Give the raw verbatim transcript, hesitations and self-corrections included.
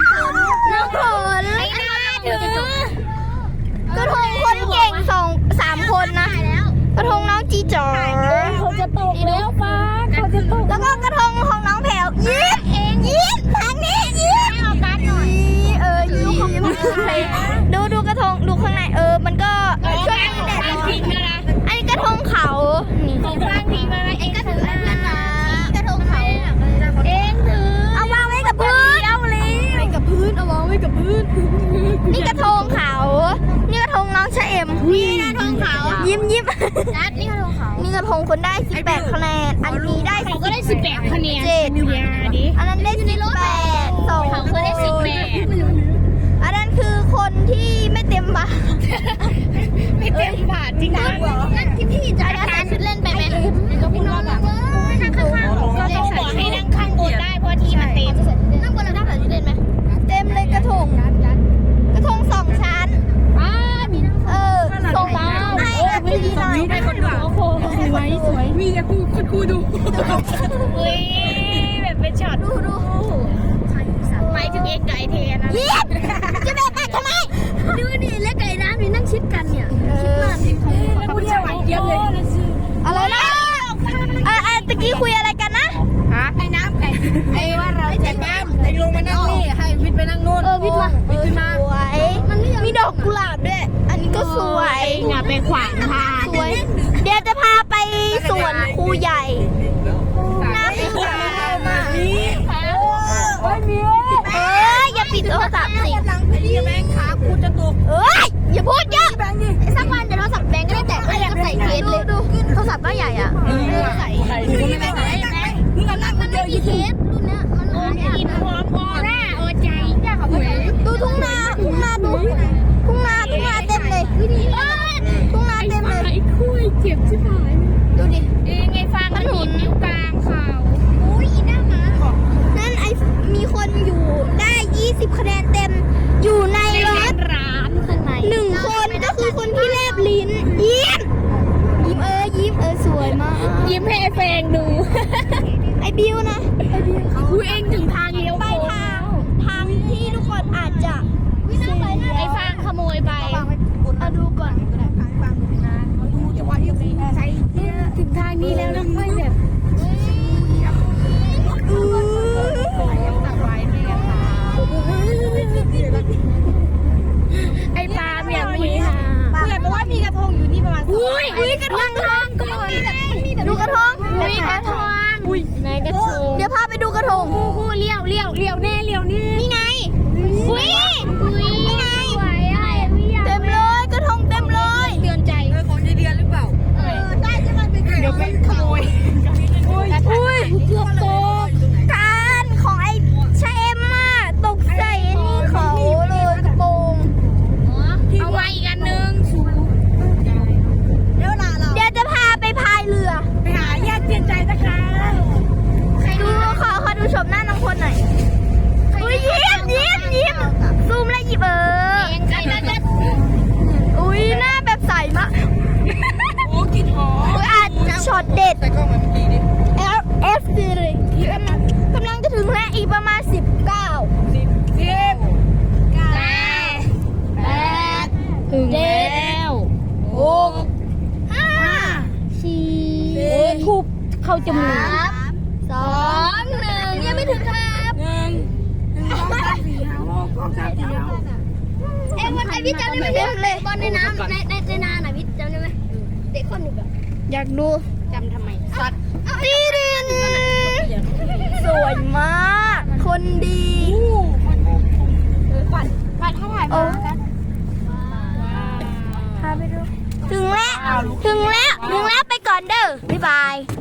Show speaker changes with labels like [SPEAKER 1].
[SPEAKER 1] น้องฝนไอ้หน้าถือกระทงคนเก่งสองสามคนนะกระทงน้องจีจ๋อเขาจะตกแล้วฟ้าเขาจะตกแล้วก็กระทงของน้องแผวยิ้มเองยิ้มทางนี้ยิ้มเอาการหน่อยเออยิ้มของยิ้มดูดูกระทงดูข้างในเออมันก็ช่วยแดดทิ้งนะอันนี้กระทงเขาของฟางทิ้งมาเองก็ถือเพื่อนนะกระทงเขาเองถือเอาวางไว้กับพื้นเอาเลยไว้กับพื้นเอาวางไว้กับพื้นนี่กระทงเขานี่กระทงน้องชะเอ็มนี่กระทงเขายิ้มยิ้มนัดนี่กระทงเขานี่กระทงคนได้สิบแปดคะแนนอันนี้ได้เขาก็ได้สิบแปดคะแนนเจ็ดอันนั้นได้สิบแปดสองเขาก็ได้สิบแปดอันนั้นคือคนที่ไม่เต็มบาทไม่เต็มบาทจริงๆเหรอนั่นที่พี่จะใส่ชุดเล่นไปไหมก็พี่น้องบอกนั่งข้างๆก็ต้องบอกให้นั่งข้างบนได้เพราะที่มันเต็มนั่งบนเราได้ใส่ชุดเล่นไหมเต็มเลยกระทงกระทงสองชั้นเออส่งให้ให้ดีหน่อยให้คนดูโอ้โหสวยสวยมีแต่คู่คนคู่ดูอุ้ยแบบเป็นช็อตดูดูหมายถึงเองไก่เทนะยิ้มจะแบบไปทำไมดูดิและไก่น้ำนี่นั่งชิดกันเนี่ยชิดมากแล้วคุณจะไหวเยอะเลยอะไรนะเออเออตะกี้คุยอะไรกันนะฮะไอ้น้ำไก่ไอ้ว่าเราจะน้ำไอ้ลงมานั่งนี่ให้วิทย์ไปนั่งโน่นเออวิทย์มาวิทย์ขึ้นมาสวยมีดอกกุหลาบด้วยอันนี้ก็สวยอย่าไปขวางทางสวยเดี๋ยวจะพาไปสวนครูใหญ่น้ำสวยมากเอ้ยอย่าปิดโทรศัพท์สิแบงค์ขาคูจะตกเอ้ยอย่าพูดเยอะสักวันเดี๋ยวโทรศัพท์แบงค์ก็ได้แตกก็ใส่เคสเลยดูโทรศัพท์ก็ใหญ่อ่ะใส่ใส่ไม่ได้ใส่นี่ก็นั่งมันเดียวยี่เคสรุ่นเนี้ยมันโอ้ยกินพร้อมพอหน้าโอ้ใจจ้าเขาดูทุ่งนาทุ่งนาดูทุ่งนาทุ่งนาเต็มเลยทุ่งนาเต็มเลยไอ้คุยเจ็บชิบหายดูดิเองไงฟางมันหินอยู่กลางเขาอุ้ยอีหน้าหมานั่นไอมีคนอยู่ได้ยี่สิบคะแนนเต็มอยู่ในรถร้านข้างในหนึ่งคนก็คือคนที่แลบลิ้นยิ้มยิ้มเออยิ้มเออสวยมากยิ้มให้ไอแฟงดูไอบิวนะไอบิวอุ้ยเองถึงทางเลี้ยวไปทางทางที่ทุกคนอาจจะไอฟางขโมยไปเอาดูก่อนดูจะว่ายังไงใช่ถึงทางนี้แล้วแล้วค่อยแบบไอ้ปลาเมียมีค่ะเพื่อนบอกว่ามีกระทงอยู่นี่ประมาณอุ้ยอุ้ยกระทงก่อนดูกระทงอุ้ยกระทงอุ้ยไหนกระทงเดี๋ยวพาไปดูกระทงคู่คู่เลี้ยวเลี้ยวเลี้ยวแน่เลี้ยวนี่นี่ไงอุ้ยอุ้ยนี่ไงเต็มเลยกระทงเต็มเลยเตือนใจเออของยายเดือนหรือเปล่าเออได้ใช่ไหมเป็นเดี๋ยวเป็นขโมยอุ้ยอุ้ยเกือบตกการของไอ้ชาเอ็มมาตกใส่นี่เขาเลยกระโปรงเอาไว้อีกอันนึงเดี๋ยวลาเราเดี๋ยวจะพาไปพายเรือไปหาญาติเตือนใจนะคะดูขอขอดูชมหน้าน้องคนหน่อยอุ้ยยิ้มยิ้มยิ้มซูมเลยหยิบเอออุ้ยหน้าแบบใสมากโอ้กินหอมอุ้ยอาจช็อตเด็ดใส่กล้องมันดีดิเอฟเอฟซีเลยกำลังกำลังจะถึงแล้วอีกประมาณสิบเก้าสิบสิบเก้าแปดถึงแล้วหกห้าสี่ทุบเข้าจมูกสองหนึ่งยังไม่ถึงครับหนึ่งสองสามสี่ห้าหกสามสี่ห้าเอ็มวันไอวิทจำได้ไหมเลยบอลในน้ำในในในนาไหนวิทจำได้ไหมเด็กคนหนึ่งแบบอยากดูจำทำไมสัตว์ดีดินสวยมากคนดีปัดปัดถ้าถ่ายมากันพาไปดูถึงแล้วถึงแล้วถึงแล้วไปก่อนเด้อบ๊ายบาย